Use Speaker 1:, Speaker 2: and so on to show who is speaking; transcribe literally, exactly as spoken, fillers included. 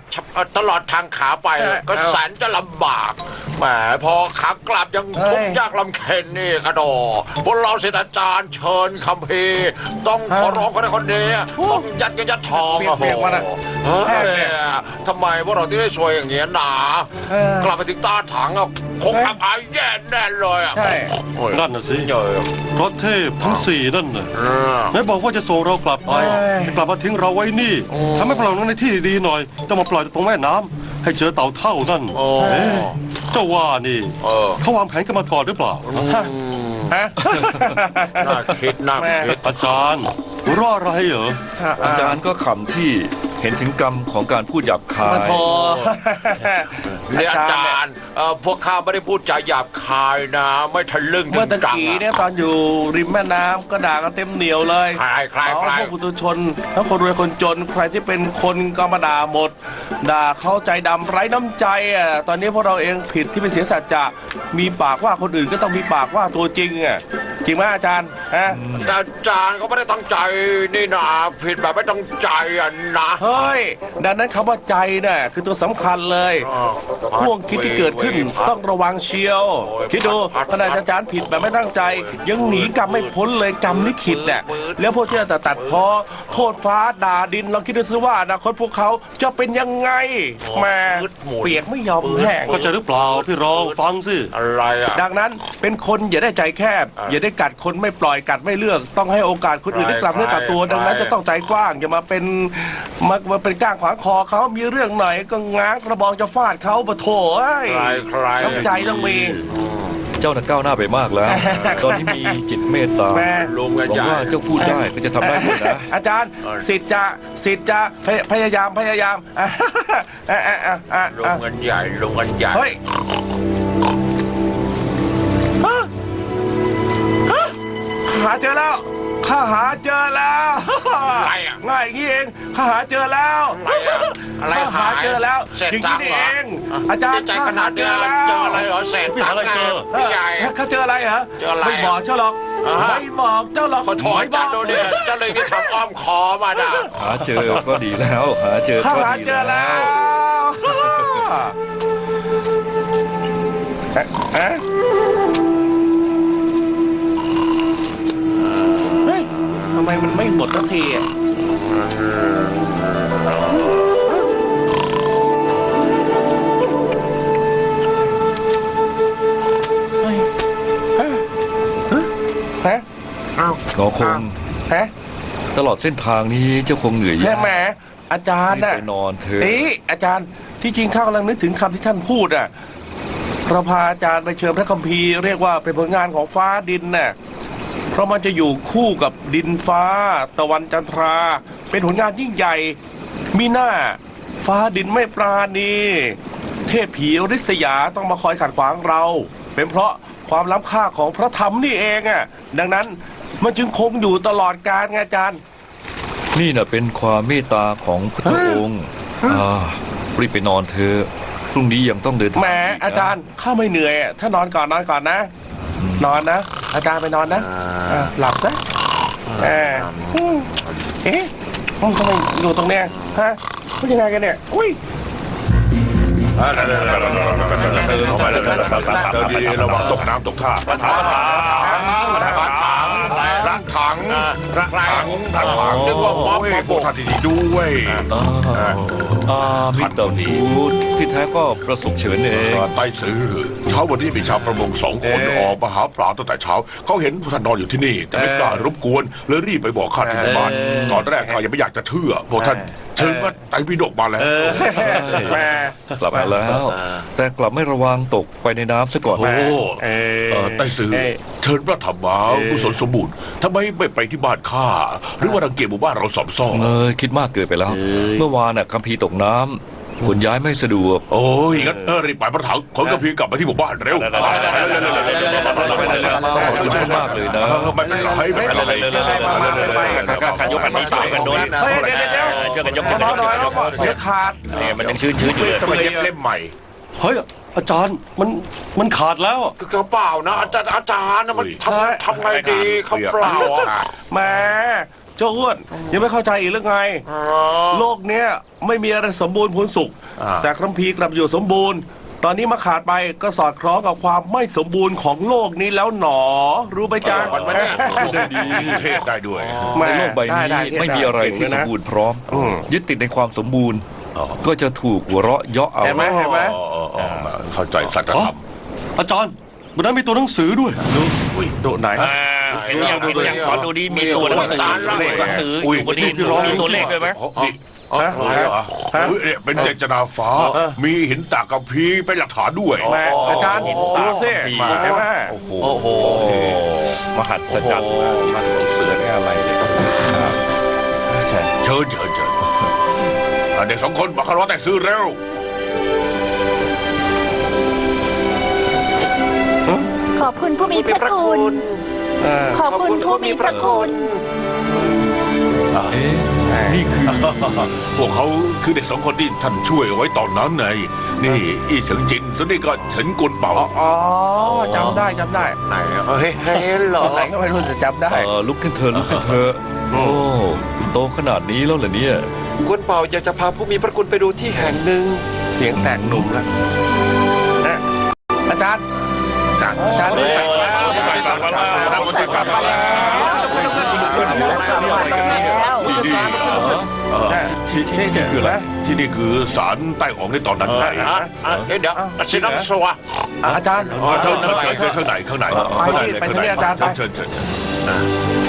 Speaker 1: ตลอดทางขาไปก็แสนจะลำบากแหมพอขากลับยังทุกข์ยากลำเค็ญนี่กระดอพวกเราศิษย์อาจารย์เชิญคัมภีร์ต้องขอร้องคนใดคนนี้ต้องยัดเงินยัดทองโอ้โหทำไมพวกเราที่ได้ช่วยอย่างเงี้ยหนากลับไปถึงตาถังคงทำอายแย่แน่เลยอ่ะ
Speaker 2: นั่นน่ะสิเพราะเทพทั้งสี่นั่นน่ะไหนบอกว่าจะส่งเรากลับไปกลับมาทิ้งเราไว้นี่ทำให้พวกเราในที่ดีๆหน่อยต้องมาปล่อยตรงแม่น้ำให้เจอเต่าเท่านั่นเจ้าว่านี่เขาวางแผนกันมาก่อนหรือเปล่า
Speaker 1: น่าคิดน่าคิด
Speaker 2: อาจารย์รออะไรเหรอ
Speaker 3: อาจารย์ก็ขำที่เห็นถึงกรรมของการพูดหยาบคาย
Speaker 1: เนี่ยอาจารย์พวกข้าไม่ได้พูดจาหยาบคายนะไม่ทะลึ่ง
Speaker 4: เมื่อตะกี้เนี่ยตอนอยู่ริมแม่น้ำก็ด่ากันเต็มเหนียวเลย
Speaker 1: ใครใครใคร
Speaker 4: พวกปุถุชนทั้งคนรวยคนจนใครที่เป็นคนก็มาด่าหมดด่าเข้าใจดำไร้น้ำใจอ่ะตอนนี้พวกเราเองผิดที่เป็นเสียสัจจะมีปากว่าคนอื่นก็ต้องมีปากว่าตัวจริงอ่ะจริงไหมอาจารย์ฮะ
Speaker 1: อาจารย์เขาไม่ได้ตั้งใจนี่นะผิดแบบไม่ตั้งใจอ่ะนะ
Speaker 4: เฮ้ยดังนั้นคำว่าใจน่ะคือตัวสำคัญเลยห่วงคิดที่เกิดขึ้นต้องระวังเชียวคิดดูขณะอาจารย์ผิดแบบไม่ตั้งใจยังหนีกรรมไม่พ้นเลยกรรมลิขิตเนี่ยแล้วพวกที่จะตัดพอโทษฟ้าด่าดินลองคิดดูซิว่าอนาคตพวกเขาจะเป็นยังไงแม่เปียกไม่ยอมแห้ง
Speaker 2: เข้าใจหรือเปล่าพี่รองฟังสิ
Speaker 1: อะไรอ่ะ
Speaker 4: ดังนั้นเป็นคนอย่าได้ใจแคบอย่าได้กัดคนไม่ปล่อยกัดไม่เลือกต้องให้โอกาสคนอื่นได้กลับเนื้อกลับตัวดังนั้นจะต้องใจกว้างอย่ามาเป็นมามาเป็นก้างขวางคอเขามีเรื่องหน่อยก็ง้างกระบองจะฟาดเขาปะโถเอ้ยน้ำใจต้องมี
Speaker 3: เจ้าน่ะก้าวหน้าไปมากแล้วตอนนี้มีจิตเมตตาหวังว่าเจ้าพูดได้ก็จะทำได้หมดนะ
Speaker 4: อาจารย์สิทธิ์จะสิทธิ์จะพยายามพยายาม
Speaker 1: ลงกันใหญ่ลงกันใหญ่
Speaker 4: เฮ้ยหาเจอแล้วข้าหาเจอแล้ว
Speaker 1: อะไรอ่ะ
Speaker 4: ง่ายอย่างนี้เองข้าหาเจอแล้ว
Speaker 1: อะไร
Speaker 4: ข้าหาเจอแล้วอย่างนี้เองอาจารย์
Speaker 1: ใจขนาดเจอเจออะไรเหรอเศษตังค์เจอพี่ใหญ่
Speaker 4: ข้าเจออะไรเหรอ
Speaker 1: เจออะไร
Speaker 4: ไม่บอกเจ้าหรอกไม่บอกเจ้าหรอก
Speaker 1: ขอถอยจัดดูเนี่ยเจ้าเลยที่ทำอ้อมคอมาด่า
Speaker 3: หาเจอก็ดีแล้วหาเจอ
Speaker 4: ข้าหาเจอแล้วทำไมมันไม่หมดสักทีอ่ะฮะ
Speaker 3: ก็คง
Speaker 4: ฮะ
Speaker 3: ตลอดเส้นทางนี้เจ้าคงเหนื่อยยาก
Speaker 4: แหมอาจารย์น่ะ
Speaker 3: ไปนอนเถอะ
Speaker 4: นี่อาจารย์ที่จริงข้ากำลังนึกถึงคำที่ท่านพูดอ่ะเราพาอาจารย์ไปเชิญพระคัมภีร์เรียกว่าเป็นผลงานของฟ้าดินน่ะเพราะมันจะอยู่คู่กับดินฟ้าตะวันจันทราเป็นผลงานยิ่งใหญ่มีหน้าฟ้าดินไม่ปราณีเทพผีริษยาต้องมาคอยขัดขวางเราเป็นเพราะความล้ำค่าของพระธรรมนี่เองอ่ะดังนั้นมันจึงคงอยู่ตลอดกาลไงอาจารย์
Speaker 3: นี่น่ะเป็นความเมตตาของพระองค์อ่ารีบไปนอนเถอะพรุ่งนี้ยังต้องเดินทาง
Speaker 4: แหมอาจารย์ข้าไม่เหนื่อยถ้านอนก่อนนอนก่อนนะนอนนะอาจารย์ไปนอนนะหลับซะเอ๊ะเอ๊ะมันทำไมอยู่ตรงเนี้ยฮะมันยังไงกันเนี่ยอุ้ย
Speaker 1: เดี๋ยวดีระวังตกน้ำตกท่ารักถังรักถังรักถังรักถังนึกว่าม็อบมาโบกท่าดีๆด้วย
Speaker 3: อามิตรนีที่แท้ก็ประสบเฉินเอง
Speaker 1: ไต้ซื้อเช้าวันนี้มีชาวประมงสองคนออกมาหาปลาตั้งแต่เช้าเขาเห็นท่านนอนอยู่ที่นี่แต่ไม่กล้ารบกวนเลยรีบไปบอกข้าที่บ้านตอนแรกข้ายังไม่อยากจะเชื่อพวกท่านเชิญว่าไต่พิฎกมาแล้ว
Speaker 3: แม่กลับมาแล้วแต่กลับไม่ระวังตกไปในน้ำซะก่อน
Speaker 1: โอ้ไต้ซื้อเชิญพระธรรมากุศลสมบูรณ์ทำไมไม่ไปที่บ้านข้าหรือว่ารังเกียจหมู่บ้านเราสอบซ่อ
Speaker 3: เออคิดมากเกินไปแล้วเมื่อวานน่ะคัมภีร์ตกน้ำขนย้ายไม่สะดวก
Speaker 1: โอ้ยงั้นเออรีบไปพระถังขนคัมภีร์กลับมาที่หมู่บ้านเร็ว
Speaker 3: ช่วยมากเลยนะ
Speaker 1: ไม่เป็นไรไม่เป็นไร
Speaker 5: การยกกันนี้ต่างกันโดน
Speaker 4: เฮ้ยเดี๋ยวเดี๋ยว
Speaker 5: เจอกันยกกัน
Speaker 4: น้อยน้อยเดี๋ยวขาด
Speaker 5: เนี่ยมันยังชื้นชื้นอยู่เลย
Speaker 1: ต้องเย็บเล่มใหม่
Speaker 2: เฮ้ยอาจารย์มันมันขาดแล้ว
Speaker 1: กระเป๋านะอาจารย์อาจารย์นะมันทำทำไงดีเขาเปล่า
Speaker 4: แม่เจ้าอ้วนยังไม่เข้าใจอีกหรือไง
Speaker 1: อ๋อ
Speaker 4: โลกเนี้ยไม่มีอะไรสมบูรณ์พูนสุข
Speaker 1: อ่า
Speaker 4: แต่คัมภีร์กลับอยู่สมบูรณ์ ตอนนี้มาขาดไปก็สอดคล้องกับความไม่สมบูรณ์ของโลกนี้แล้วหนอ รู้ไหมจ๊ะ
Speaker 1: มันไม่ได้
Speaker 5: ได้ดีเทศได้ด้วย
Speaker 4: แม่
Speaker 3: ในโลกใบนี้
Speaker 4: ด้ด้
Speaker 3: ไม่มีอะไรที่สมบูรณ์พร้อม
Speaker 4: อืม
Speaker 3: ยึดติดในความสมบูรณ์
Speaker 5: อ๋อ
Speaker 3: ก็จะถูกหัวเราะเยาะเอา
Speaker 4: เห็นไหมเห็นไหม
Speaker 5: อ๋ออ๋ออ๋อเข้าใจสัจธรรม
Speaker 2: อาจารย์บนนั้นมีตัวหนังสือด้วย
Speaker 4: ดูไหน
Speaker 5: อ่าเห็นอย่างเห็นอย่างสอนดูดีมีตัวหนังสือเลขหนังสืออยู่บนนี้มีตัวเลขด้วยไหม
Speaker 1: นี่อะไรเหรอ
Speaker 4: ฮะ
Speaker 6: เฮ้ยเนี่ยเป็นเจตนาฟ้า มีหินตากระพีร์เป็นหลักฐานด้วย
Speaker 4: แม่อาจารย์ดูสิเห็นไหม
Speaker 5: โอ้โห
Speaker 1: โอ้โห
Speaker 5: มหัศจรรย์มาก
Speaker 4: มันเสือเนี่ยอะไรเนี่ยใช่
Speaker 6: เชิญเชิญเชิญอ่ะเด็กสองคนมาคารวะแต่ซื้อเร็ว
Speaker 7: ขอบคุณผู้มีพระคุณ
Speaker 4: เออ
Speaker 7: ขอบคุณผู้มีพระคุณ
Speaker 3: เอ๊ะนี่คือ
Speaker 6: พวกเขาคือเด็กสองคนที่ท่านช่วยเอาไว้ตอนนั้นไงนี่อีเฉิงจินส่วนนี้ก็เฉินกวนเป่า
Speaker 4: อ๋ออ๋อจำได้จำได้
Speaker 1: ไหนเฮ้ยเฮ้ยเหรอ
Speaker 4: ตอนไหนก็ไม่รู้แต่จำได้
Speaker 3: เออลุกขึ้นเธอะลุกขึ้นเธอะโอ้โตขนาดนี้แล้วเหรอเนี่ย
Speaker 8: กวนเป่าอยากจะพาผู้มีพระคุณไปดูที่แห่งหนึ่ง
Speaker 4: เสียงแตกหนุ่มแล้วนะอาจารย์ อาจารย์ได้
Speaker 5: ใส่
Speaker 4: สั่ง
Speaker 5: มา
Speaker 4: แล้ว
Speaker 5: แล้วใส่กลับมาแล้วครับใส่กลับมาแล้ว
Speaker 3: ที่ที่ที่คืออะไร
Speaker 6: ที่นี่คือศาลใต้อองในตอนนั้นไง
Speaker 1: อ่ะอ่ะเดี๋ยวเดี๋ยวสิน้ำสัว
Speaker 4: อาจารย์
Speaker 6: เชิญเชิญเชิญเชิญข้างในข้างในข้างในเลยข้างใน
Speaker 4: ไปที่นี่อาจารย์ไป
Speaker 6: เชิญเชิญเชิญ